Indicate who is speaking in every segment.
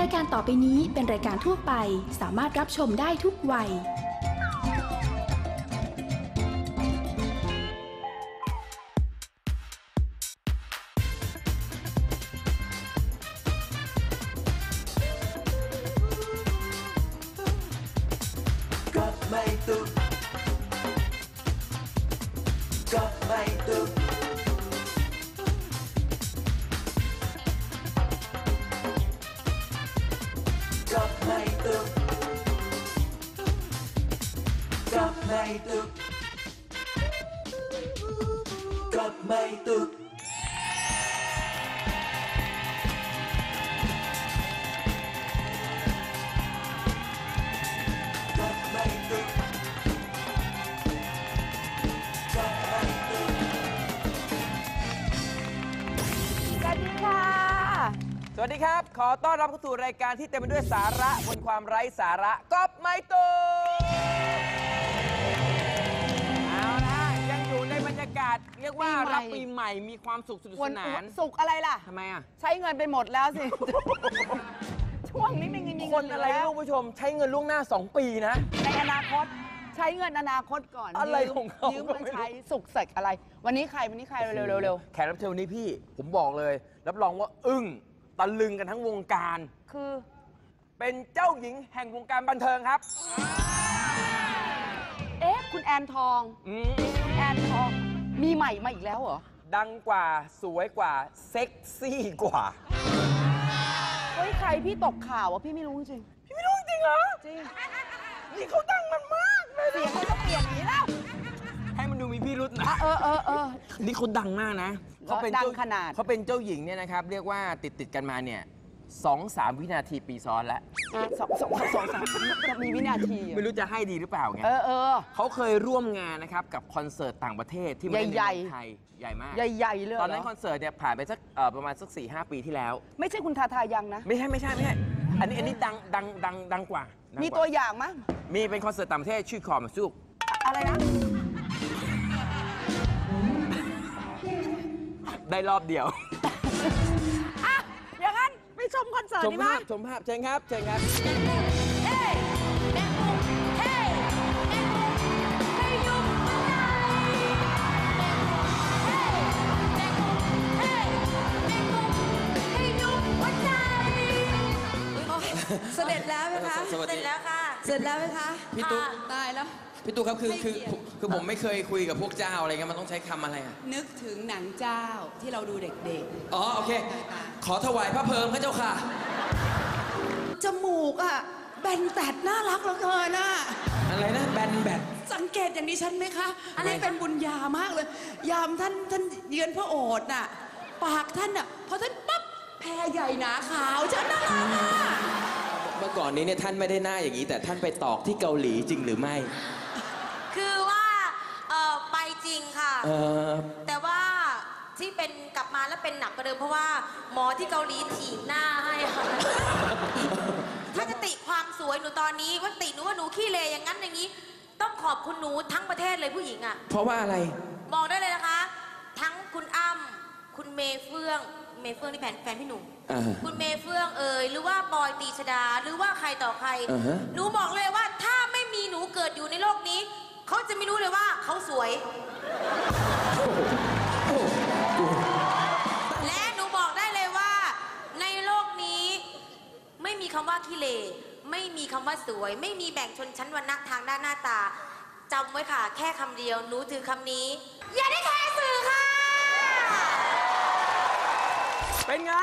Speaker 1: ายการต่อไปนี้เป็นรายการทั่วไปสามารถรับชมได้ทุกวัย
Speaker 2: สวัสดีครับขอต้อนรับเข้าสู่รายการที่เต็มไปด้วยสาระบนความไร้สาระก๊อปไม่ตูเอาละยังอยู่ในบรรยากาศเรียกว่ารับปีใหม่มีความสุขสนุกสนาน
Speaker 3: สุขอะไรล่ะ
Speaker 2: ทำไมอ่ะ
Speaker 3: ใช้เงินไปหมดแล้วสิ ช่วงนี้ไม่มีเงิน
Speaker 2: คนอะไรลูกผู้ชมใช้เงินล่วงหน้า2 ปีนะ
Speaker 3: ในอนาคตใช้เงินอนาคตก่อน
Speaker 2: อะไรของเขา
Speaker 3: ยืมมาใช้สุขเสกอะไรวันนี้ใครเร็ว
Speaker 2: แขกรับเชิญวันนี้พี่ผมบอกเลยรับรองว่าอึ้งตะลึงกันทั้งวงการ
Speaker 3: คือ
Speaker 2: เป็นเจ้าหญิงแห่งวงการบันเทิงครับ
Speaker 3: คุณแอนทองคุณแอนทองมีใหม่มาอีกแล้วเหรอ
Speaker 2: ดังกว่าสวยกว่าเซ็กซี่กว่า
Speaker 3: เฮ้ยใครพี่ตกข่าวพี่ไม่รู้จริง
Speaker 2: พี่ไม่รู้จริงเหรอ
Speaker 3: จริง
Speaker 2: นี่เขาดังมันมากเลย
Speaker 3: เสียงเขาต้องเปลี่ยนอย่างนี้แล้ว
Speaker 2: ให้มันดูมีพี่รุธนะนี่เขาดังมากนะ
Speaker 3: เขาเป็นดังขนาด
Speaker 2: เขาเป็นเจ้าหญิงเนี่ยนะครับเรียกว่าติดกันมาเนี่ย2-3 วินาทีปีซ้อนแล้ว
Speaker 3: 2-3จะมีวินาที
Speaker 2: ไม่รู้จะให้ดีหรือเปล่าไงเขาเคยร่วมงานนะครับกับคอนเสิร์ตต่างประเทศที่มาในไทยใหญ่มาก
Speaker 3: ใหญ่เลย
Speaker 2: ตอนนั้นคอนเสิร์ตเนี่ยผ่านไปสักประมาณสัก 4-5 ปีที่แล้ว
Speaker 3: ไม่ใช่คุณทายังนะ
Speaker 2: ไม่ใช่อันนี้ดังกว่า
Speaker 3: มีตัวอย่างมั้ย
Speaker 2: มีเป็นคอนเสิร์ตต่างประเทศชื่อคอมซุก
Speaker 3: อะไรนะ
Speaker 2: ได้รอบเดียว
Speaker 3: อย่างนั้นไปชมคอนเสิร์ตดีไหม
Speaker 2: ชมภาพเชิญครับ
Speaker 4: เสร็จแล้วไหมคะเสร็จแล้วค่ะเสร็จแล้วไหมคะ
Speaker 5: พี่ตุ๊ก
Speaker 4: ตายแล้ว
Speaker 5: พี่ตุ๊กครับคือผมไม่เคยคุยกับพวกเจ้าอะไรเงี้ยมันต้องใช้คำอะไรอ่ะ
Speaker 4: นึกถึงหนังเจ้าที่เราดูเด็ก
Speaker 5: ๆอ๋อโอเคขอถวายพระเพลิงพระเจ้าค่ะ
Speaker 4: จมูกอ่ะแบนแตดน่ารักเหลือเกินน่ะ
Speaker 5: อะไรนะแบน
Speaker 4: สังเกตอย่างนี้ฉันไหมคะอันนี้เป็นบุญญามากเลยยามท่านเยือนพระโอษฐ์น่ะปากท่านอ่ะพอท่านปั๊บแพรใหญ่หนาขาวฉันน่ารัก
Speaker 5: เมื่อก่อนนี้เนี่ยท่านไม่ได้หน้าอย่างนี้แต่ท่านไปตอกที่เกาหลีจริงหรือไม่
Speaker 6: คือว่าไปจริงค่ะแต่ว่าที่เป็นกลับมาแล้วเป็นหนักกว่าเดิมเพราะว่าหมอที่เกาหลีถีบหน้าให้ค่ะถ้าจะติความสวยหนูตอนนี้ว่าติหนูว่าหนูขี้เลอย่างนั้นอย่างนี้ต้องขอบคุณหนูทั้งประเทศเลยผู้หญิงอ่ะ
Speaker 5: เพราะว่าอะไร
Speaker 6: บอกได้เลยนะคะทั้งคุณอ้ำคุณเมเฟื่องที่แฟนพี่หนูคุณเมเฟื่องหรือว่าปอยตีชดาหรือว่าใครต่อใครหนูบอกเลยว่าถ้าไม่มีหนูเกิดอยู่ในโลกนี้เขาจะไม่รู้เลยว่าเขาสวยและหนูบอกได้เลยว่าในโลกนี้ไม่มีคำว่าขี้เหร่ไม่มีคำว่าสวยไม่มีแบ่งชนชั้นวรรณะทางด้านหน้าตาจำไว้ค่ะแค่คำเดียวหนูถือคำนี้อย่าได้แคร์สื่อค่ะ
Speaker 2: เป็นไง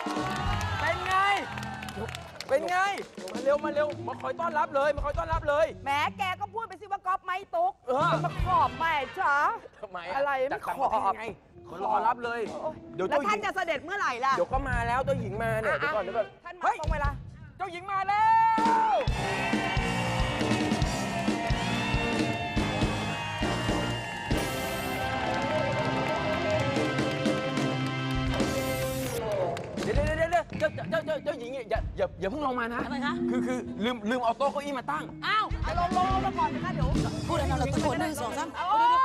Speaker 2: มาเร็วมาคอยต้อนรับเลย
Speaker 3: แหมแกก็พูดไปสิว่าก๊อปไม้ตุ๊กมาขอบแม่จ๋า
Speaker 2: ทำไม
Speaker 3: อะไรไม่ขอบ
Speaker 2: ไงมารอรับเลย
Speaker 3: แล้วท่านจะเสด็จเมื่อไหร่ล่ะ
Speaker 2: เดี๋ยวก็มาแล้วเจ้าหญิงมาเนี่ยเดี๋ยวก่อน
Speaker 3: ท่านมาตรงเวลา
Speaker 2: เจ้าหญิงมาแล้วเจ้าหญิงอย่าเพิ่งลงมานะ
Speaker 3: ทำไมคะ
Speaker 2: คือลืมเอาโต๊ะเก้าอี้มาตั้ง
Speaker 3: อ้าวลงมาก่อนนะคะเดี๋ยว
Speaker 4: พูดอะไรเราตะโกน1 2 3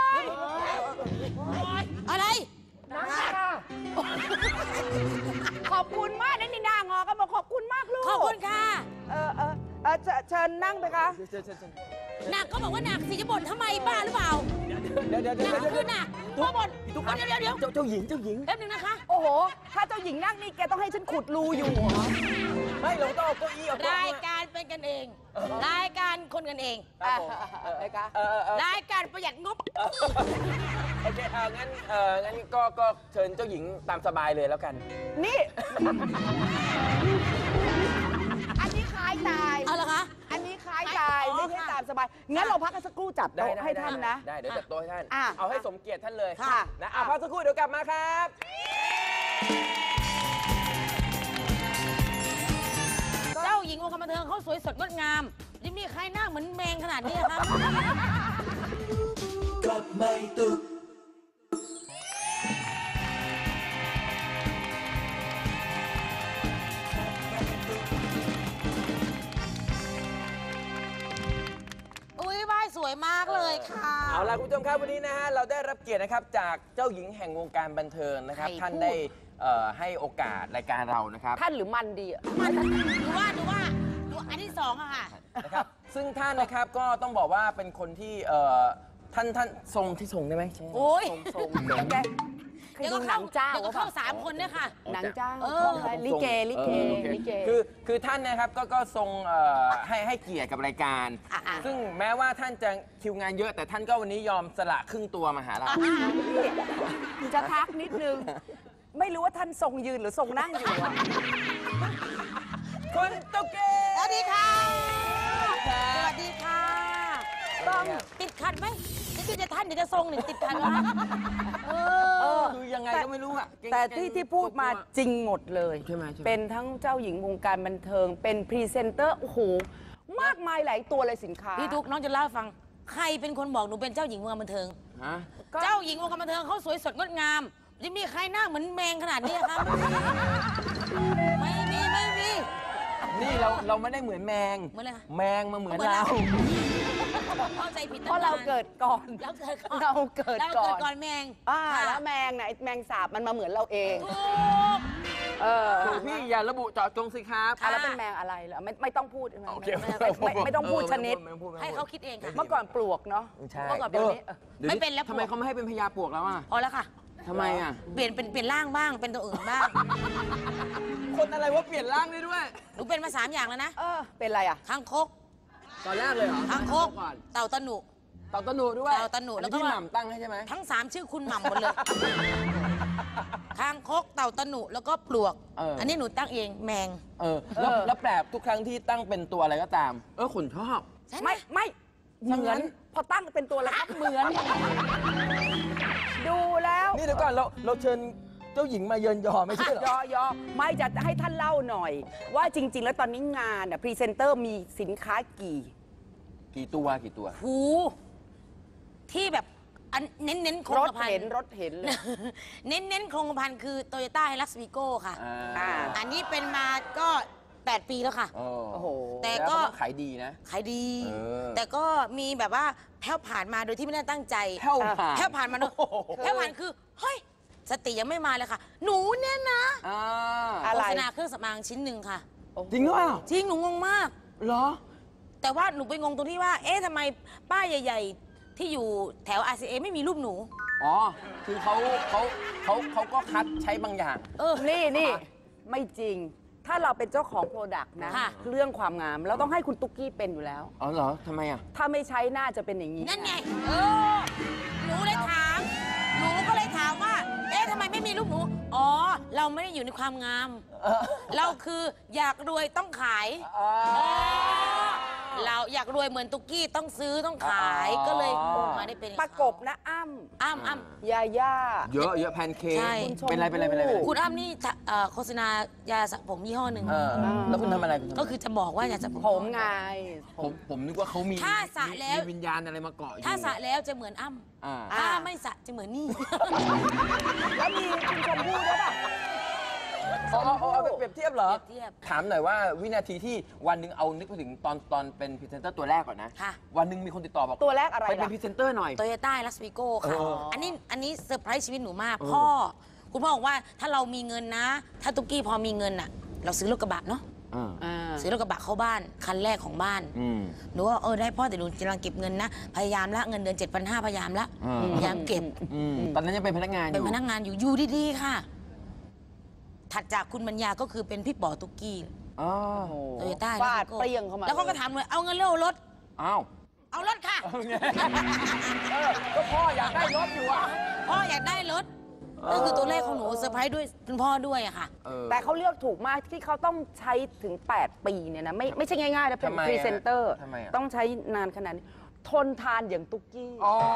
Speaker 4: อะไร
Speaker 3: ขอบคุณมากนี่นางอกันบอกขอบคุณมากลูก
Speaker 7: ขอบคุณค่ะ
Speaker 3: เชิญนั่งไปคะ
Speaker 7: หนักก็บอกว่าหนักสิจะบ่นทำไมบ้าหรือเปล่า
Speaker 2: เดี๋ยว
Speaker 7: หนักคือหนักพ่อบ่นเดี๋ยว
Speaker 2: เจ้าหญิง
Speaker 7: แป๊บนึงนะคะ
Speaker 3: โอ้โห ถ้าเจ้าหญิงนั่งนี่แกต้องให้ฉันขุดรูอยู่เหรอ
Speaker 2: ไม่เราต้องเอาเก้าอี้เอาโต๊ะ
Speaker 7: รายการเป็นกันเอง รายการคนกันเอง
Speaker 2: ครับผม
Speaker 3: อะไรคะ
Speaker 7: รายการประหยัดงบ
Speaker 2: โอเคงั้นก็เชิญเจ้าหญิงตามสบายเลยแล้วกัน
Speaker 3: นี่ อันนี้คล้ายตาย
Speaker 7: เอาเหรอคะ
Speaker 3: อันนี้คล้ายตาย
Speaker 7: อ๋อ
Speaker 3: ไม่ใช่
Speaker 7: ค่ะ
Speaker 3: ตามสบาย งั้นเราพักกันสักครู่จัดโต๊ะให้ท่านนะ
Speaker 2: ได้เดี๋ยวจัดโต๊ะให้ท่าน
Speaker 3: อ่ะ
Speaker 2: เอาให้สมเกียรติท่านเลย
Speaker 3: ค่ะ
Speaker 2: นะพักสักครู่เดี๋ยวกลับมาครับ
Speaker 7: เจ้าหญิงวงการบันเทิงเขาสวยสดงดงามยังมีใครหน้าเหมือนแมงขนาดนี้ครับ อุ้ยบ้ายสวยมากเลยค่ะ
Speaker 2: เอาล่ะคุณผู้ชมครับวันนี้นะฮะเราได้รับเกียรตินะครับจากเจ้าหญิงแห่งวงการบันเทิงนะครับ
Speaker 3: ใคร
Speaker 2: ท่าน
Speaker 3: พูด
Speaker 2: ได้ให้โอกาสรายการเรานะครับ
Speaker 3: ท่านหรือมันดีอะ
Speaker 7: มันดูอันที่สองอะค่ะ
Speaker 2: นะครับซึ่งท่านนะครับก็ต้องบอกว่าเป็นคนที่ท่านทรงที่ทรงได้ไหมใช่
Speaker 7: โอ้ย
Speaker 3: ทรงแกเคยดูหนังจ้า
Speaker 7: เดี๋ยวก็เข้า3 คนเนี่ยค่ะ
Speaker 3: หนังจ้า
Speaker 7: เออ
Speaker 3: ลิเก
Speaker 2: โอเค คือท่านนะครับก็ทรงให้เกียรติกับรายการ ซึ่งแม้ว่าท่านจะคิวงานเยอะแต่ท่านก็วันนี้ยอมสละครึ่งตัวมาหาเรา
Speaker 3: จะทักนิดนึง ไม่รู้ว่าท่านทรงยืนหรือทรงนั่งอยู่อะ
Speaker 2: คุณตุ๊กเก
Speaker 7: สวัสดีค่ะ สวัสดีค่ะ
Speaker 3: ต้อง
Speaker 7: ติดขัดไหมนี่คือจะท่านเดี๋ยวจะทรงหนึ่งติดขัดเหรอคะ
Speaker 2: คือยังไงก็ไม่รู้อะเก่ง
Speaker 3: แต่ที่พูดมาจริงหมดเลย
Speaker 2: ใช่ไหม
Speaker 3: เป็นทั้งเจ้าหญิงวงการบันเทิง เป็นพรีเซนเตอร์ โอ้โห มากมายหลายตัวเลยสินค้า
Speaker 7: พี่ทุกน้องจะเล่าให้ฟัง ใครเป็นคนบอกหนูเป็นเจ้าหญิงวงการบันเทิง
Speaker 2: ฮะ
Speaker 7: เจ้าหญิงวงการบันเทิงเขาสวยสดงดงามยังมีใครหน้าเหมือนแมงขนาดนี้ครับ ไม่มี
Speaker 2: นี่เราไม่ได้เหมือนแมง
Speaker 7: เหมือนอะไรคะ
Speaker 2: แมงมาเหมือน
Speaker 7: เหมือน
Speaker 2: เรา
Speaker 7: เรา เข้าใจผิด
Speaker 3: เพราะเราเกิดก่อน
Speaker 7: เราเกิดก่อน
Speaker 3: เราเกิดก่อน
Speaker 7: ก่อนแมง
Speaker 3: แล้ว
Speaker 7: ค่ะ
Speaker 3: แมงนะไอ้แมงสาบมันมาเหมือนเราเอง
Speaker 7: ถูก
Speaker 2: ถูกพี่อย่าระบุเจาะจงสิครับ
Speaker 7: ค่ะ
Speaker 3: แล้วเป็นแมงอะไรเหรอไม่ต้องพูดใช่ไหม
Speaker 2: โอเค
Speaker 3: ไม่ต้องพูดชนิด
Speaker 7: ให้เขาคิดเองค่ะ
Speaker 3: เมื่อก่อนปลวกเนาะ
Speaker 2: ใช่
Speaker 3: เมื่อก่อนเดี๋ยวนี้
Speaker 2: ดี๋ย
Speaker 7: ไม่เป็นแล้ว
Speaker 2: ทำไมเขาไม่ให้เป็นพญาปลวกแล้วอ่ะ
Speaker 7: พอแล้วค่ะ
Speaker 2: ทำไมอ่ะ
Speaker 7: เปลี่ยนร่างบ้างเป็นตัวอื่นบ้าง
Speaker 2: คนอะไรว่าเปลี่ยนร่างได้ด้วย
Speaker 7: หนูเป็นมา3 อย่างแล้วนะ
Speaker 3: เป็นอะไรอ่ะ
Speaker 7: คางคก
Speaker 2: ตอนแรกเลยเหรอ
Speaker 7: คางคก
Speaker 2: ก่อน
Speaker 7: เต่าตะหนุ
Speaker 2: เต่าตะหนูด้วย
Speaker 7: เต่าตะหนูแล้วก็
Speaker 2: พี่หม่ำตั้งให้ใช่ไหม
Speaker 7: ทั้ง3ชื่อคุณหม่ำหมดเลย คางคกเต่าตะหนุแล้วก็ปลวก อันนี้หนูตั้งเองแมง
Speaker 2: แล้วแปลกทุกครั้งที่ตั้งเป็นตัวอะไรก็ตามขุนชอบ
Speaker 7: ใช่ไหม
Speaker 3: ไม่เหมือนพอตั้งเป็นตัวแล้วก็เหมือน ดูแล้ว
Speaker 2: นี่เดี๋ยวก่อนเราเชิญเจ้าหญิงมาเยินยอไม่ใช่เหรอ
Speaker 3: ยอไม่จะให้ท่านเล่าหน่อย ว่าจริง ๆ แล้วตอนนี้งานพรีเซนเตอร์มีสินค้า
Speaker 2: กี่ตัว
Speaker 7: หูที่แบบอันเน้นโคร
Speaker 3: รง ถ
Speaker 7: กระพัน
Speaker 3: เห็นรถเห็นเลย
Speaker 7: เน้นโครงกระพันคือโตโยต้าไฮลักซ์วีโก้ค่ะ อันนี้เป็นมาก็8 ปีแล้วค่ะ
Speaker 2: โอ้
Speaker 3: โอ้โห
Speaker 7: แต่
Speaker 2: ล้ว
Speaker 7: ก็
Speaker 2: ขายดีนะ
Speaker 7: ขายดี
Speaker 2: เออ
Speaker 7: แต่ก็มีแบบว่าแพ้วผ่านมาโดยที่ไม่ได้ตั้งใจ
Speaker 2: แผ่วผ่าน
Speaker 7: แพ้วผ่านมาโดยแพ้วผ่านคือเฮ้ยสติยังไม่มาเลยค่ะ หนูเนี่ยนะ
Speaker 3: อะไร
Speaker 7: โฆษณาเครื่องสำอางชิ้นหนึ่งค่ะ
Speaker 2: จริงหรือเปล่า
Speaker 7: จริงหนูงงมาก
Speaker 2: เหรอ
Speaker 7: แต่ว่าหนูไปงงตรงที่ว่า เอ๊ะทำไมป้ายใหญ่ ๆ ที่อยู่แถว RCA ไม่มีรูปหนู
Speaker 2: อ๋อ คือเขาก็คัดใช้บางอย่าง
Speaker 3: นี่ไม่จริง ถ้าเราเป็นเจ้าของโปรดักต์นะ
Speaker 7: ค่ะ
Speaker 3: เรื่องความงาม เราต้องให้คุณตุ๊กกี้เป็นอยู่แล้ว
Speaker 2: อ๋อเหรอทำไมอ่ะ
Speaker 3: ถ้าไม่ใช้น่าจะเป็นอย่างนี้
Speaker 7: นั่นไง หนูเลยถาม หนูก็เลยถามว่า เอ๊ะทำไมไม่มีรูปหนู อ๋อ เราไม่ได้อยู่ในความงาม เราคืออยากรวยต้องขายเราอยากรวยเหมือนตุ๊กกี้ต้องซื้อต้องขาย ก็เลยมาได้เป็นอย่าง
Speaker 3: ประกบนะอ้ำ
Speaker 7: อ้ำ
Speaker 3: ยาย่า
Speaker 2: เยอะแพนเค้ก
Speaker 7: ใช่
Speaker 2: เป็นไร
Speaker 7: คุณอ้ำนี่โฆษณายาสระผมยี่ห้อหนึ่ง
Speaker 2: แล้วคุณทำอะไร
Speaker 7: ก็คือจะบอกว่ายาสระผม
Speaker 3: ผมไง
Speaker 2: ผมนึกว่าเขามี
Speaker 7: ถ้าสระแล้ว
Speaker 2: มีวิญญาณอะไรมาเกาะอยู่
Speaker 7: ถ้าสระแล้วจะเหมือนอ้ำ
Speaker 2: อ่า
Speaker 7: ถ้าไม่สระจะเหมือนนี่
Speaker 3: แล้วมีคุณชมพู่ด้วยป่ะ
Speaker 2: เอาไปเปรียบเทียบเหรอ
Speaker 7: เปรียบเทียบ
Speaker 2: ถามหน่อยว่าวินาทีที่วันหนึ่งเอานึกไปถึงตอนเป็นพรีเซนเตอร์ตัวแรกก่อนนะ
Speaker 7: ค่ะ
Speaker 2: วันหนึ่งมีคนติดต่อบอก
Speaker 3: ตัวแรกอะไร
Speaker 2: ไปเป็น
Speaker 3: ล่ะ
Speaker 2: พรีเซนเตอร์หน่อย
Speaker 7: โตโยต้าลักซ์วิโก้ค่ะ
Speaker 2: เออ
Speaker 7: อันนี้เซอร์ไพรส์ชีวิตหนูมาก คุณพ่อบอกว่าถ้าเรามีเงินนะ ถ้าตุ๊กกี้พอมีเงินอ่ะ เราซื้อรถกระบะเนาะซื้อรถกระบะเข้าบ้านคันแรกของบ้านหนูว่าได้พ่อแต่หนูกำลังเก็บเงินนะพยายามละเงินเดือน 7,500 พยายามละพยายามเก็บ
Speaker 2: ตอนนั้นยังเป็นพนักงานอ
Speaker 7: เป็น
Speaker 2: ยู่
Speaker 7: พนักงานอยู่ดีๆค่ะ ถัดจากคุณปัญญาก็คือเป็นพี่ป๋อตุ๊กกี้โตโยต้า
Speaker 3: ฟาดเปรี้ยงเข้ามา
Speaker 7: แล้วเขาก็ถามเลยเอาเงินเรื่องรถ
Speaker 2: อ้าว
Speaker 7: เอารถค่ะ
Speaker 2: ก็พ่ออยากได้รถอยู่อ่ะ
Speaker 7: พ่ออยากได้รถก็คือตัวเลขของหนูเซอร์ไพรส์ด้วยคุณพ่อด้วยอะค่ะ
Speaker 3: แต่เขาเลือกถูกมากที่เขาต้องใช้ถึง 8 ปีเนี่ยนะไม่ใช่ง่ายๆนะเป็น
Speaker 2: ทำไมอะ
Speaker 3: พรีเซนเตอร์
Speaker 2: ทำไมอะ
Speaker 3: ต้องใช้นานขนาดนี้ทนทานอย่างตุ๊กกี้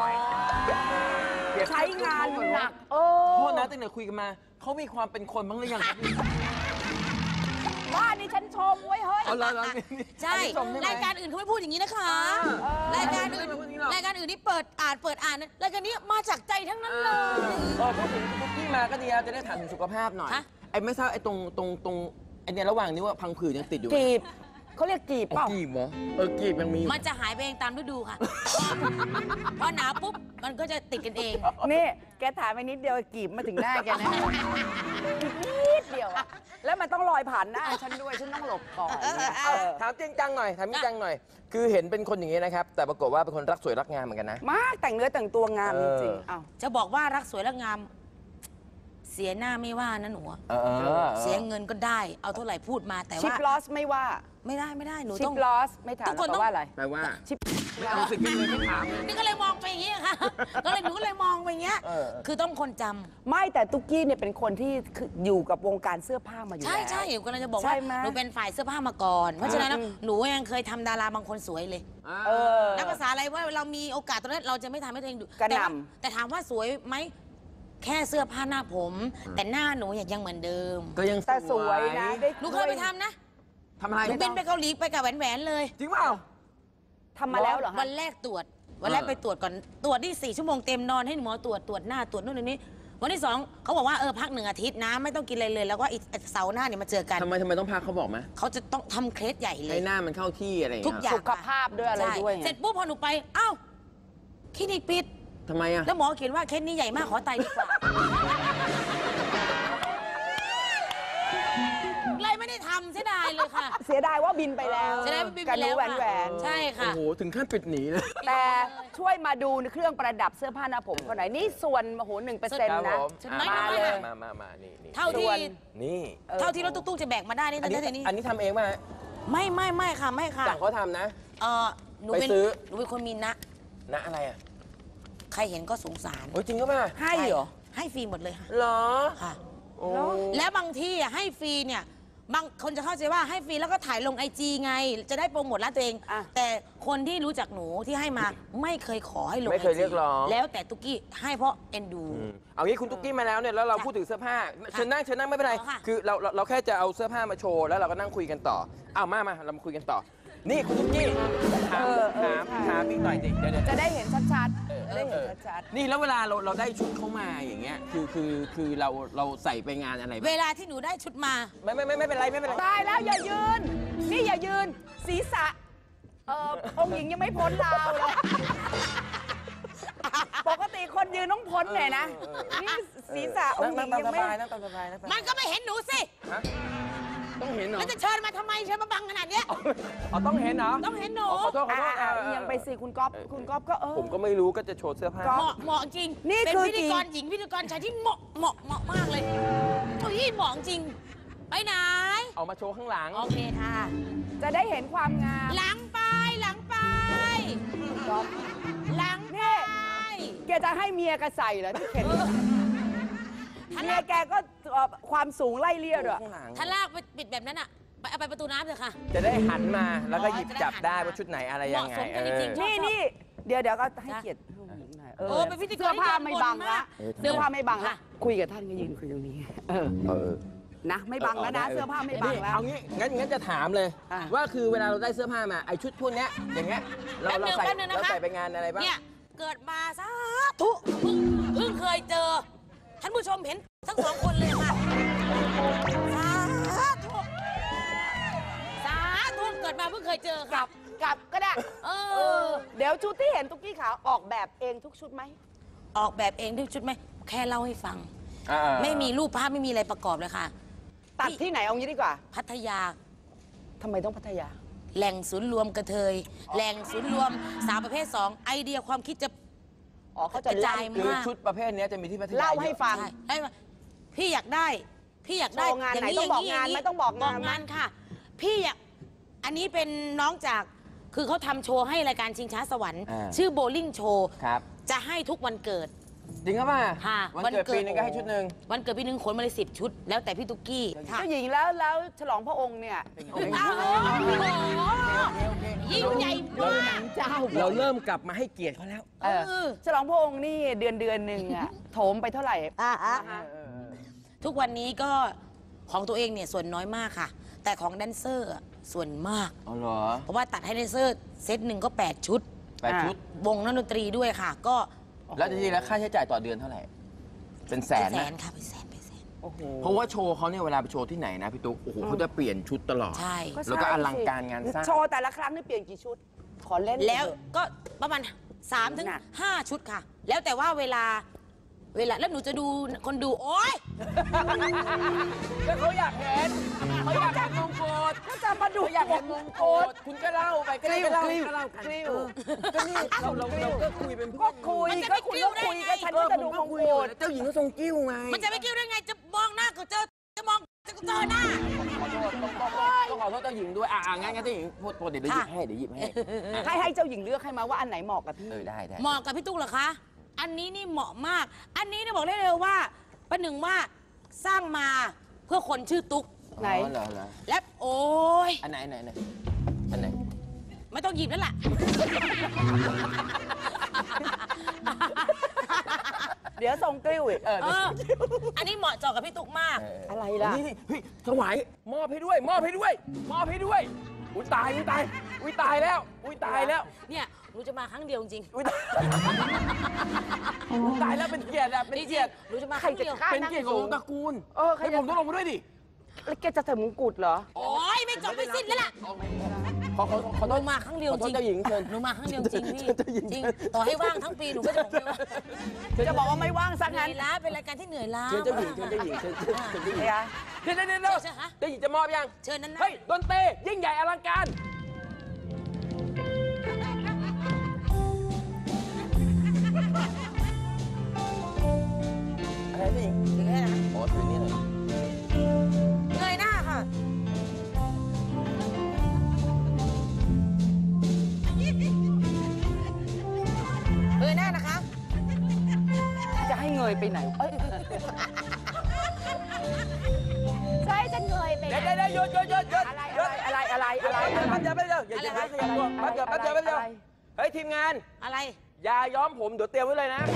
Speaker 3: ใช้งานหนัก
Speaker 2: โทษนะตั้งแต่คุยกันมาเขามีความเป็นคนบ้างหรือยังครับ
Speaker 3: บ้านนี้ฉันชมไว้เฮ้ย
Speaker 2: เอาละ
Speaker 7: ใช่รายการอื่นเขาไม่พูดอย่างนี้นะคะรายการอื่นนี่เปิดอ่านนะรายการนี้มาจากใจทั้งนั้นเลย
Speaker 2: พูดถึงคุกกี้มาก็ดีครับจะได้ถามถึงสุขภาพหน่อย ไอ้ไม่ทราบไอ้ตรงไอ้เนี่ยระหว่างนี้ว่าพังผืดยังติดอยู่ไหม
Speaker 3: กีบเขาเรียกกีบเปล่า
Speaker 2: กีบเหรอกีบยังมีอยู่
Speaker 7: มันจะหายไปเองตามฤดูค่ะ พอหนาวปุ๊บมันก็จะติดกันเอง
Speaker 3: นี่แกถามไปนิดเดียวกีบมาถึงหน้าแกนะนิดเดียวอะแล้วมันต้องลอยผ่านหน้าฉันด้วยฉันต้องหลบก่อน
Speaker 2: ถามจริงจังหน่อยถามจริงจังหน่อย คือเห็นเป็นคนอย่างนี้นะครับ แต่ปรากฏว่าเป็นคนรักสวยรักงามเหมือนกันนะ
Speaker 3: มากแต่งเนื้อแต่งตัวงามจริงๆอ้าว
Speaker 7: จะบอกว่ารักสวยรักงาม เสียหน้าไม่ว่านะหนูอะเสียเงินก็ได้ เอาเท่าไหร่พูดมาแต่
Speaker 3: ชิ
Speaker 7: ว่า
Speaker 3: ปลอสไม่ว่า
Speaker 7: ไม่ได้หนู
Speaker 3: ชิ
Speaker 7: ต้อง
Speaker 3: ปลอสไม่ถาม
Speaker 7: ทุกคน
Speaker 3: แปลว่าอะไร
Speaker 2: แปลว่า
Speaker 3: ชิป
Speaker 2: เอาสิกันเลยไม่ถาม
Speaker 7: นี่ก็เลยมองไปอย่างนี้ค่ะ หนูก็เลยมองไปอย่างเงี้ย คือต้องคนจำ
Speaker 3: ไม่แต่ตุ๊กกี้เนี่ยเป็นคนที่อยู่กับวงการเสื้อผ้ามาอยู่แล้ว
Speaker 7: ใช่หนูกำลังจะบอก
Speaker 3: ใช่
Speaker 7: ว่า
Speaker 3: ไหม
Speaker 7: หนูเป็นฝ่ายเสื้อผ้ามาก่อน เพราะฉะนั้นหนูยังเคยทำดาราบางคนสวยเลย นักภาษาอะไรว่าเรามีโอกาสตรงนั้นเราจะไม่ทำให้ตัวเองดู
Speaker 3: กระหน่
Speaker 7: แต่ถามว่าสวยไหมแค่เสื้อผ้าหน้าผม แต่หน้าหนูยังเหมือนเดิม
Speaker 2: ก็ยัง
Speaker 3: แต่สวยนะได้
Speaker 7: หนูเคยไปทำนะ
Speaker 2: ทำอะไร
Speaker 7: หนูบินไปเกาหลีไปกับแหวนๆเลย
Speaker 2: จริงเปล่า
Speaker 3: ทำมาแล้วเหรอ
Speaker 7: วั
Speaker 3: คะ
Speaker 7: นแรกตรวจ วันแรกไปตรวจก่อนตรวจที่4 ชั่วโมงเต็มนอนให้หมอตรวจหน้าตรวจนู่นนี่วันที่ 2เขาบอกว่าพัก1 อาทิตย์นะไม่ต้องกินอะไรเลย แล้วก็อีกเสาร์หน้าเนี่ยมาเจอกัน
Speaker 2: ทำไมต้องพักเขาบอกไหม
Speaker 7: เขาจะต้องทำเคสใหญ่เล
Speaker 2: ให้
Speaker 7: ย
Speaker 2: หน้ามันเข้าที่อะไรอย่าง
Speaker 7: ทุก
Speaker 2: เงี้ย
Speaker 7: อย่าง
Speaker 3: สุขภาพด้วยอะไร
Speaker 7: ใช่
Speaker 3: ด้วยไง
Speaker 7: เสร็จปุ๊บพอหนูไปเอ้าคลินิกปิด
Speaker 2: ทำไมอ่ะ
Speaker 7: แล้วหมอเขียนว่าเคสนี้ใหญ่มากขอไตดีกว่า เลยไม่ได้ทำเสียดายเลยค่ะ
Speaker 3: เสียดายว่าบินไปแล้ว
Speaker 7: เสียดายว่าบินไป
Speaker 3: กัน
Speaker 7: แล้ว
Speaker 3: แหวน
Speaker 7: ค่ะ
Speaker 3: แหวน
Speaker 7: ใช่ค่ะ
Speaker 2: โอ้โหถึงขั้นปิดหนีเลย
Speaker 3: แต่ช่วยมาดูเครื่องประดับเสื้อผ้าหน้าผมคนไหนนี่ส่วนโอ้โห1%นะ
Speaker 7: ฉันไม่
Speaker 3: มา
Speaker 7: ไม่
Speaker 3: เลย
Speaker 2: มานี่
Speaker 7: เท่าที่
Speaker 3: ส่วน
Speaker 2: นี่
Speaker 7: เท่าที่รถตุ๊กๆจะแบกมาได้นี่
Speaker 2: อันนี้
Speaker 7: เท่านี้
Speaker 2: อันนี้ทำเองป่ะฮะ
Speaker 7: ไม่ค่ะไม่ค่ะ
Speaker 2: สั่งเขาทำนะ
Speaker 7: หนูเป็น
Speaker 2: ไปซื้อ
Speaker 7: หนูเป็นคนมีนะ
Speaker 2: นะอะไรอ่ะ
Speaker 7: ใครเห็นก็สงสาร
Speaker 2: โอ้ยจริงก็ป่ะ
Speaker 3: ให้เหรอ
Speaker 7: ให้ฟรีหมดเลยค่ะ
Speaker 2: เหรอ
Speaker 7: ค่ะ
Speaker 2: โอ้
Speaker 7: แล้วบางที่อ่ะให้ฟรีเนี่ยบางคนจะเข้าใจว่าให้ฟรีแล้วก็ถ่ายลงIG ไง จะได้โปรโมทร้านตัวเอง
Speaker 3: อ่ะ
Speaker 7: แต่คนที่รู้จักหนูที่ให้มาไม่เคยขอให้ลง
Speaker 2: ไม่เคย
Speaker 7: IG
Speaker 2: เรียกร้อง
Speaker 7: แล้วแต่ตุ๊กกี้ให้เพราะเอ็นดู
Speaker 2: เอางี้คุณตุ๊กกี้มาแล้วเนี่ยแล้วเราพูดถึงเสื้อผ้าเชิญนั่งไม่เป็นไร
Speaker 7: อ๋อค่ะ
Speaker 2: คือเราแค่จะเอาเสื้อผ้ามาโชว์แล้วเราก็นั่งคุยกันต่อเอามาเรามาคุยกันต่อ นี่คุณตุ๊กกี้ถามอีกหน่อยดิเดี๋ยว
Speaker 3: จะได้เห็นชัดๆจะได้เห็นชัด
Speaker 2: นี่แล้วเวลาเราได้ชุดเข้ามาอย่างเงี้ยคือเราใส่ไปงานอะไรบ้าง
Speaker 7: เวลาที่หนูได้ชุดมา
Speaker 2: ไม่เป็นไร
Speaker 3: ๆตายแล้วอย่ายืน นี่อย่ายืน ศีรษะองค์หญิงยังไม่พ้นราวเลย ปกติคนยืนต้องพ้นหน่อยนะ นี่ศีรษะองค์หญิงยังไม่
Speaker 2: นั่งตามสบาย
Speaker 7: มันก็ไม่เห็นหนูสิ
Speaker 2: ต้องเห็นเหรอ
Speaker 7: แล้วจะเชิญมาทำไมเชิญมาบังขนาดเนี้ย
Speaker 2: ต้องเห็นเหรอ
Speaker 7: ต้องเห็นหนู
Speaker 2: ขอโทษ
Speaker 3: ยังไปสิคุณก๊อฟก็
Speaker 2: ผมก็ไม่รู้ก็จะโชว์เสื้อผ้า
Speaker 7: เหมาะจริง
Speaker 3: นี่
Speaker 7: เป็น
Speaker 3: คือ
Speaker 7: พิธีกรหญิงพิธีกรชายที่เหมาะมากเลยโอ้ยเหมาะจริง ไปไหน
Speaker 2: เอามาโชว์ข้างหลัง
Speaker 7: โอเคค่ะ
Speaker 3: จะได้เห็นความงาม
Speaker 7: หลังไปหลังไป
Speaker 3: ก๊อฟ
Speaker 7: หลังไป
Speaker 3: แกจะให้เมียแกใส่เหรอที่เข็นเมียแกก็ความสูงไล่เลี่ยด้วย
Speaker 2: ข้างหลัง
Speaker 7: ถ้าลากไปปิดแบบนั้นอ่ะเอาไปประตูน้ำเถอะค่ะ
Speaker 2: จะได้หันมาแล้วก็หยิบ
Speaker 7: จะได้
Speaker 2: จับได้
Speaker 7: หันมา
Speaker 2: ว่าชุดไหนอะไรยังไง
Speaker 7: เหมาะสมกันจริงๆ
Speaker 3: นี่เดี๋ยวก็ให้เกียรติผู้หญิงหน่อย
Speaker 7: เป็นพิธีกร
Speaker 3: เสื้อผ้าไม่บัง
Speaker 7: ที่
Speaker 3: ละ
Speaker 7: เดินบนมาก
Speaker 3: เสื้อผ้าไม่บังละ
Speaker 7: ค่ะ
Speaker 3: คุยกับท่านก็ยืนคุยตรงนี้นะไม่บังแล้วนะเสื้อผ้าไม่บังแล้ว
Speaker 2: เอางี้งั้นจะถามเลย
Speaker 3: อ่ะ
Speaker 2: ว่าคือเวลาเราได้เสื้อผ้ามาไอชุดพวกเนี้ยอย่างเงี้ยเราใส่
Speaker 7: แป๊บนึงนะคะ
Speaker 2: เราใส่ไปงานอะไรบ้าง
Speaker 7: เนี่ยเกิดมาสาธุเพิ่งเคยเจอ ท่านผู้ชมเห็นทั้ง2 คนเลยค่ะสาธุเกิดมาเพิ่งเคยเจอค่ะ
Speaker 3: กลับก็ได้ เดี๋ยวชุดที่เห็นตุ๊กกี้ขาวออกแบบเองทุกชุดไหม
Speaker 7: ออกแบบเองด้วยชุดไหมแค่เล่าให้ฟัง ไม่มีรูปภาพไม่มีอะไรประกอบเลยค่ะ
Speaker 3: ตัดที่ไหนเอางี้ดีกว่า
Speaker 7: พัทยา
Speaker 3: ทำไมต้องพัทยา
Speaker 7: แหล่งศูนย์รวมกระเทย แหล่งศูนย์รวมสาวประเภท 2 ไอเดียความคิดจะ
Speaker 3: อ๋อเขา
Speaker 7: ก
Speaker 3: จะ
Speaker 7: ระจาย
Speaker 2: คือ
Speaker 7: มาก
Speaker 2: ชุดประเภทเนี้ยจะมีที่พัทยา
Speaker 3: เล่าให้ฟัง
Speaker 7: ใช่ได้มาพี่อยากได้ พี่อยากได้
Speaker 3: โชว์งานไหนต้องบอกงานไหมต้องบอกงานไหม
Speaker 7: บอกงานค่ะ พี่อยากอันนี้เป็นน้องจากคือเขาทำโชว์ให้รายการชิงช้าสวรรค์ ชื่อโบลิ่งโชว์
Speaker 2: ครับ
Speaker 7: จะให้ทุกวันเกิด
Speaker 2: จริงครับป่ะ
Speaker 7: ค่ะ
Speaker 2: วันเกิดปีนึงก็ให้ชุดหนึ่ง
Speaker 7: วันเกิดปีนึงขนมาเลย10 ชุด แล้วแต่พี่ตุ๊กกี้ค่ะ
Speaker 3: เจ้าหญิงแล้วฉลองพระองค์เนี่ย
Speaker 7: โอ้โหยิ่งใหญ่มาก
Speaker 3: เจ้า
Speaker 2: เราเริ่มกลับมาให้เกียรติเขาแล้ว
Speaker 3: ฉลองพระองค์นี่เดือนหนึ่งอะโถมไปเท่าไหร่
Speaker 7: ทุกวันนี้ก็ของตัวเองเนี่ยส่วนน้อยมากค่ะ แต่ของแดนเซอร์อะส่วนมาก
Speaker 2: อ๋อเหรอ
Speaker 7: เพราะว่าตัดให้แดนเซอร์เซตหนึ่งก็ 8 ชุด
Speaker 2: 8 ชุด
Speaker 7: วงนักดนตรีด้วยค่ะ ก็
Speaker 2: แล้วจริงๆแล้วค่าใช้จ่ายต่อเดือนเท่าไหร่ เป็นแสน
Speaker 7: แส
Speaker 2: นะ
Speaker 7: นค่ะเป็นแสนเป็นแสน
Speaker 3: โอ้โห
Speaker 2: เพราะว่าโชว์เขาเนี่ยเวลาไปโชว์ที่ไหนนะพี่ตุ๊ก โอ้โหเขาจะเปลี่ยนชุดตลอด
Speaker 7: ใช่
Speaker 2: แล้วก็อลังการงานสร้าง
Speaker 3: โชว์แต่ละครั้งนี่เปลี่ยนกี่ชุด ขอเล่น
Speaker 7: แล้วก็ประมาณ3 ถึง 5 ชุดค่ะ แล้วแต่ว่าเวลาแล้วหนูจะดูคนดูโอ๊ย
Speaker 2: ก็เขาอยากเห็นเขาอยากเห็นมงกุฎ
Speaker 3: ก็จะมาดู
Speaker 2: เขาอยากเห็นมงกุฎคุณก็เล่าไปก็ได้ก็เล่ากัน
Speaker 3: กลิ้ว
Speaker 2: ก็นี่เราก็คุยเป็นเพื่
Speaker 3: ก็
Speaker 2: อน
Speaker 3: คุย
Speaker 7: มันจะ
Speaker 3: ก็
Speaker 7: ไม่
Speaker 3: คุย
Speaker 7: กลิ้ว
Speaker 3: ก็คุย
Speaker 7: ได้ไง
Speaker 3: ก็ฉันก็จะดูมงกุฎ
Speaker 2: เจ้าหญิงก็ทรงกิ้วไง
Speaker 7: มันจะไม่กิ้วได้ไงจะมองหน้าก็เจอจะมองจะเจอหน้า
Speaker 2: ขอโทษต้องขอโทษเจ้าหญิงด้วยงั้นเจ้าหญิงพูดเดี๋ยวหยิบให้เดี๋ยวหยิบให้
Speaker 3: ให้เจ้าหญิงเลือกให้มาว่าอันไหนเหมาะกับพี่
Speaker 2: ได้
Speaker 7: เหมาะกับพี่ตุ๊กเหรอคะ อันนี้นี่เหมาะมาก อันนี้เนี่ยบอกได้เลยว่าประหนึ่งว่าสร้างมาเพื่อคนชื่อตุ๊ก
Speaker 3: ไหน
Speaker 2: เหรอ
Speaker 7: และโอ้ย
Speaker 2: อันไหนอันไหน
Speaker 7: ไม่ต้องหยิบแล้วล่ะ
Speaker 3: เดี๋ยวส่งกลิ้วอีก
Speaker 7: เออ อันนี้เหมาะเจาะกับพี่ตุ๊กมาก
Speaker 3: อะไรล่ะ
Speaker 2: นี่เฮ้ยถวายมอบให้ด้วยอุ้ยตายแล้ว
Speaker 7: เนี่ยหนูจะมาครั้งเดียวจริง
Speaker 2: ตายแล้วเป็นเกียรติอะเป็นเกียรติ
Speaker 7: หนูจะมาครั้งเดียว
Speaker 2: เป็นเกียรติของตระกูล
Speaker 3: ใคร
Speaker 2: ให้
Speaker 3: จะ
Speaker 2: ผมต้องลงมาด้วยดิ
Speaker 3: แล้วแกจะใส่มงกุฎเหรอ
Speaker 7: โอ้ยไม่จบไม่สิ้นแล้วล่ะ
Speaker 2: ขอ
Speaker 7: ห
Speaker 2: โท
Speaker 7: นู
Speaker 2: ษ
Speaker 7: มาครั้งเดียว
Speaker 2: ขอโท
Speaker 7: จ
Speaker 2: ษ
Speaker 7: ริง
Speaker 2: เจ้าหญิงเชิญ
Speaker 7: หนูมาครั้งเดียวจริงพี่
Speaker 2: เจ้าหญิง
Speaker 7: จริง
Speaker 2: เชิญ
Speaker 7: ต่อให้ว่างทั้งปีหนูก็จะบอกเลยว่า
Speaker 3: จะบอกว่าไม่ว่างซะ
Speaker 7: เหนื่
Speaker 3: งั้
Speaker 7: อน ยล้าเป็นรายการที่เหนื่อยล้า
Speaker 2: เชิญเจ้าหญิงเชิญเจ้าหญิงเชิญเจ้าหญิง
Speaker 3: เนี่ย
Speaker 2: เดี๋ยว
Speaker 7: เชิญคะ
Speaker 2: เจ้าหญิงจะมอบยัง
Speaker 7: เชิญนั้นนะ
Speaker 2: เฮ้ยดนตรียิ่งใหญ่อลังการอะไรเจ้าหญิง
Speaker 7: ถือให้นะ
Speaker 2: อ๋อถือนี่หน่อย
Speaker 7: เงยหน้าค่ะ เงยหน้านะคะ
Speaker 3: จะให้เงยไปไหนใช่จะเงยไป
Speaker 2: เดี๋ยวหยุด
Speaker 3: อะไร
Speaker 2: แป๊บเดียวอย่าขยับตัวแป๊บเดียวเฮ้ยทีมงาน
Speaker 7: อะไร
Speaker 2: ยาย้อมผมเดี๋ยวเตรียมไว้เลยนะ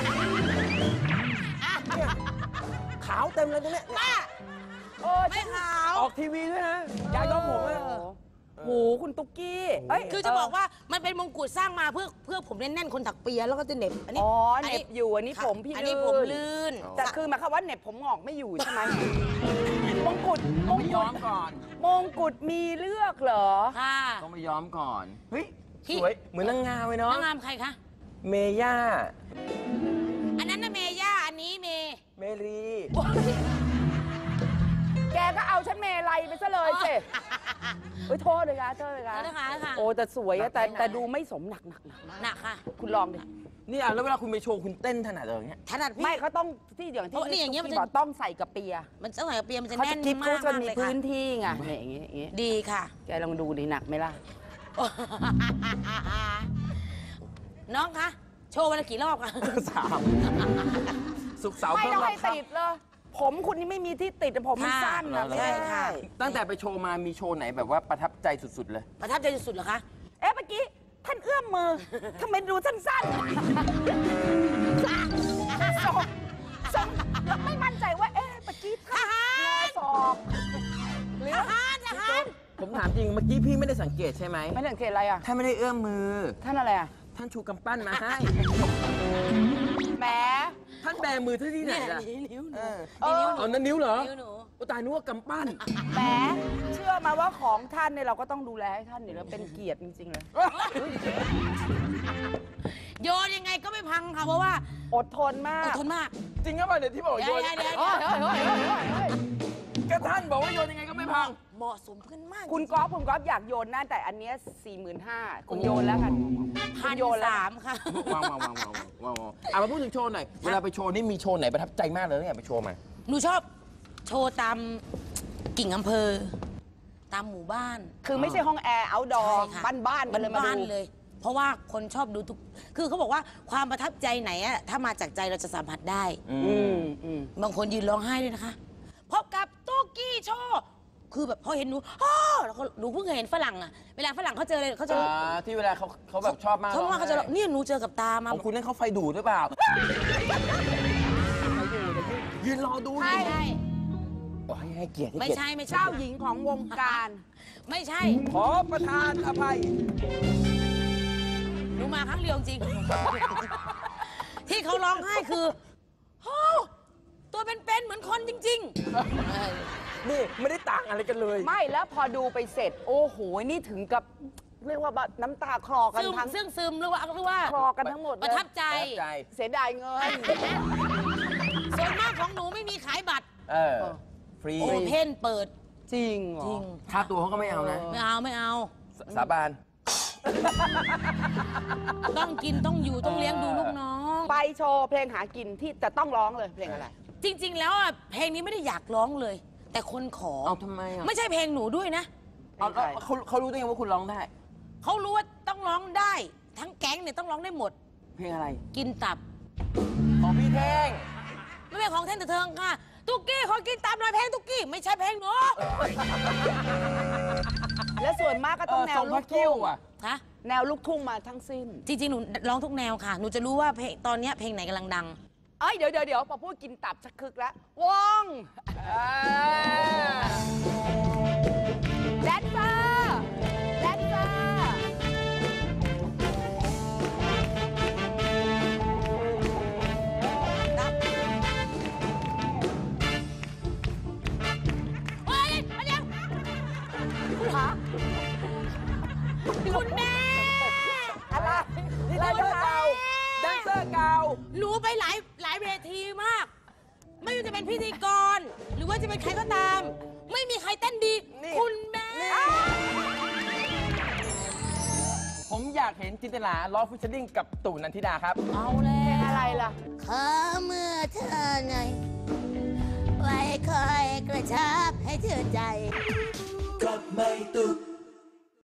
Speaker 2: เนี่ยขาวเต็มเลยตรงเนี้ย
Speaker 7: ป้า ไม่ขาว
Speaker 2: ออกทีวีด้วยนะยาย้อมผมอะ
Speaker 3: โหคุณตุ๊กกี้
Speaker 7: คือจะบอกว่ามันเป็นมงกุฎสร้างมาเพื่อผมแน่นๆคนถักเปียแล้วก็จะเหน็บ อันนี้
Speaker 3: อ๋อเหน็บอยู่อันนี้ผมพี่
Speaker 7: อันนี้ผมลื่น
Speaker 3: แต่คือหมายความว่าเหน็บผมงอกไม่อยู่ใช่ไหมมงกุฎ
Speaker 2: ต้องไปย้อมก่อน
Speaker 3: มงกุฎมีเลือกเหรอ
Speaker 7: ค่ะ
Speaker 2: ต้องไปย้อมก่อนเฮ้ย
Speaker 7: พี่
Speaker 2: สวยเหมือนนางงามเลยเนาะ
Speaker 7: นางงามใครคะ
Speaker 2: เมย่า
Speaker 7: อันนั้นนะเมย่า อันนี้เม
Speaker 2: เมรี
Speaker 3: แกก็เอาฉันเมลัยไปซะเลยสิโอ้ยโทษเลยค่ะ
Speaker 7: นะคะค่ะ
Speaker 3: โอ้แต่สวยอะแต่ดูไม่สมหนัก
Speaker 7: หนักค่ะ
Speaker 3: คุณลองดิ
Speaker 2: นี่แล้วเวลาคุณไปโชว์คุณเต้นถนัดเลยอย่างเงี้ย
Speaker 7: ถนัดพี่
Speaker 3: ไม่เขาต้องที่อย่างที่
Speaker 7: เพราะนี่อย่างเงี้ยมันจะ
Speaker 3: บอกต้องใส่กระเปีย
Speaker 7: มันต้องใส่กระเปียมันจะ
Speaker 3: เขา
Speaker 7: แน่
Speaker 3: จะ
Speaker 7: น
Speaker 3: คิด
Speaker 7: มา
Speaker 3: เขา
Speaker 7: ก
Speaker 3: จะ
Speaker 7: มาก
Speaker 3: มี
Speaker 7: เลย
Speaker 3: พื้
Speaker 7: ค่ะ
Speaker 3: นที่ไงเนี่ยอย่างงี้
Speaker 7: ดีค่ะ
Speaker 3: แกลองดูดิหนักไหมล่ะ
Speaker 7: น้องคะ โชว์วันละกี่รอบคะ
Speaker 2: สุกร์เสาร์
Speaker 3: ไม่
Speaker 2: เพิ่
Speaker 3: ต้อง
Speaker 2: รอ
Speaker 3: ให้
Speaker 2: บครับ
Speaker 3: ติดเลย ผมคุณนี่ไม่มีที่ติดแต่ผมมันสั้นนะ
Speaker 7: ใช่ค่ะ
Speaker 2: ตั้งแต่ไปโชว์มามีโชว์ไหนแบบว่าประทับใจสุดๆเลย
Speaker 7: ประทับใจสุดๆเหรอคะ
Speaker 3: เอ๊ะเมื่อกี้ท่านเอื้อมมือทำไมดูสั้นๆส่งแล้วไม่มั่นใจว่าเอ๊ะเมื่อกี้ท่านงอศอกหรือ
Speaker 7: ทหาร
Speaker 2: ผมถามจริงเมื่อกี้พี่ไม่ได้สังเกตใช่ไหม
Speaker 3: ไม่สังเกตอะไรอ่ะ
Speaker 2: ท่านไม่ได้เอื้อมมือ
Speaker 3: ท่านอะไรอ่ะ
Speaker 2: ท่านชูกำปั้นมาให้
Speaker 3: แหม
Speaker 2: ท่านแบมือที่ไหน
Speaker 7: เนี่ย
Speaker 2: ล่ะ
Speaker 7: นิ้วหนู
Speaker 2: เอานั่นนิ้วเหรอ
Speaker 7: นิ้วหนู
Speaker 2: โอ้ตายนึกว่ากำปั้น
Speaker 3: แหมเชื่อมาว่าของท่านเนี่ยเราก็ต้องดูแลให้ท่านอยู่แล้วเป็นเกียรติจริงๆเลย
Speaker 7: โยนยังไงก็ไม่พังค่ะ เพราะว่า
Speaker 3: อดทนมา
Speaker 7: อก ดทนมาก
Speaker 2: จริงก็ป่ะเนี่ยที่บอกโยน
Speaker 7: เดี๋ยว
Speaker 3: เฮ้ย
Speaker 2: ก็ท่านบอกว่าโยนยังไงก็ไม่พัง
Speaker 7: เหมาะสมกันมาก
Speaker 3: คุณก๊อฟอยากโยนนะแต่อันเนี้ย45,000คุณโยนแล้วกัน
Speaker 7: พัน
Speaker 3: โยนแล้ว
Speaker 7: สามค่ะ
Speaker 2: ว้าวมาพูดถึงโชว์หน่อย เวลาไปโชว์นี่มีโชว์ไหนประทับใจมากเลยเนี่ยไปโชว์มา
Speaker 7: หนูชอบโชว์ตามกิ่งอำเภอ ตามหมู่บ้าน
Speaker 3: คือไม่ใช่ห้องแอร์เอาท์ดอร์
Speaker 7: ใช่ค่ะ
Speaker 3: บ้านๆกันเลยมา
Speaker 7: บ้าน
Speaker 3: ดู
Speaker 7: ๆเลย เพราะว่าคนชอบดูทุก คือเขาบอกว่าความประทับใจไหนอะถ้ามาจากใจเราจะสัมผัสได้ บางคนยืนร้องไห้ด้วยนะคะ พบกับตุ๊กกี้โชว์คือแบบพอเห็นหนูแล้วหนูเพิ่งเคยเห็นฝรั่งอะเวลาฝรั่งเขาเจอเลยเขาจะ
Speaker 2: ที่เวลาเขาแบบชอบมาก
Speaker 7: เขาว่าเขาจะเนี่ยหนูเจอกับตามา
Speaker 2: ของคุณนั่นเขาไฟดูดหรือเปล่า ยืนรอดู
Speaker 7: ใช่ใช่
Speaker 2: ให้เกียรติ
Speaker 7: ไม่ใช่ไม่ใช่
Speaker 3: เจ้าหญิงของวงการ
Speaker 7: ไม่ใช่
Speaker 2: ขอประทานอภัย
Speaker 7: หนูมาครั้งเดียวจริง ที่เขาร้องไห้คือโอ้ตัวเป็นๆเหมือนคนจริงๆ
Speaker 2: นี่ไม่ได้ต่างอะไรกันเลย
Speaker 3: ไม่แล้วพอดูไปเสร็จ โอ้โห นี่ถึงกับเรียกว่าน้ำตาคลอกันทั้ง
Speaker 7: ซึมหรือว่า
Speaker 3: คลอกันทั้งหมดเลย
Speaker 7: ประทับใจ
Speaker 3: เสียดายเงิน
Speaker 7: ส่วนมากของหนูไม่มีขายบัตร
Speaker 2: ฟรี
Speaker 7: โอเพนเปิด
Speaker 3: จริงเหรอ
Speaker 7: จริง
Speaker 2: ค่าตัวเขาก็ไม่เอานะ
Speaker 7: ไม่เอา
Speaker 2: สาบาน
Speaker 7: ต้องกินต้องอยู่ต้องเลี้ยงดูลูกน้อง
Speaker 3: ไปโชว์เพลงหากินที่จะต้องร้องเลยเพลงอะไร
Speaker 7: จริง ๆ แล้วอ่ะเพลงนี้ไม่ได้อยากร้องเลย แต่คนขอ
Speaker 2: เอาทำไมอ่ะ
Speaker 7: ไม่ใช่เพลงหนูด้วยนะ
Speaker 2: เขารู้ได้ไงว่าคุณร้องได้
Speaker 7: เขารู้ว่าต้องร้องได้ ทั้งแก๊งเนี่ยต้องร้องได้หมด
Speaker 2: เพลงอะไร
Speaker 7: กินตับ
Speaker 2: ของพี่แท่ง
Speaker 7: ไม่เป็นของแท่นแต่เทิงค่ะ ตุ๊กกี้ขอกินตับหน่อยเพลงตุ๊กกี้ไม่ใช่เพลงหนู
Speaker 3: และส่วนมากก็ต้องแนว
Speaker 2: ทรง
Speaker 3: ลู
Speaker 2: พระ
Speaker 3: ก
Speaker 2: กิ้
Speaker 3: ทุ่
Speaker 2: ว
Speaker 3: ง
Speaker 2: อ่ะ
Speaker 7: ฮะ
Speaker 3: แนวลูกทุ่งมาทั้งสิ้น
Speaker 7: จริงๆ หนูร้องทุกแนวค่ะ หนูจะรู้ว่าเพลงตอนเนี้ยเพลงไหนกำลังดัง
Speaker 3: เอ้ยเดี๋ยวพอพูดกินตับชักคึกแล้ววงแดนเซอร์แดนเซอร์
Speaker 7: เฮ้ยมาเดี๋ยว
Speaker 3: ฮะ
Speaker 7: คุณแม่
Speaker 3: อะไร
Speaker 2: นี่แดนเซอร์เก่า แดนเซอร์เก่า
Speaker 7: หนูไปหลายเวทีมาก ไม่ว่าจะเป็นพิธีกร หรือว่าจะเป็นใครก็ตาม ไม่มีใครเต้นดี
Speaker 2: นี่
Speaker 7: คุณแม่
Speaker 2: ผมอยากเห็นจินตลาล้อฟิชเชอร์ลิงกับตู่นันทิดาครับ
Speaker 7: เอาแล้ว
Speaker 3: อะไรล่ะ
Speaker 8: ขอเมื่อเธอไงไว้คอยกระชับให้เธอใจ
Speaker 5: ก็ไม่ตุก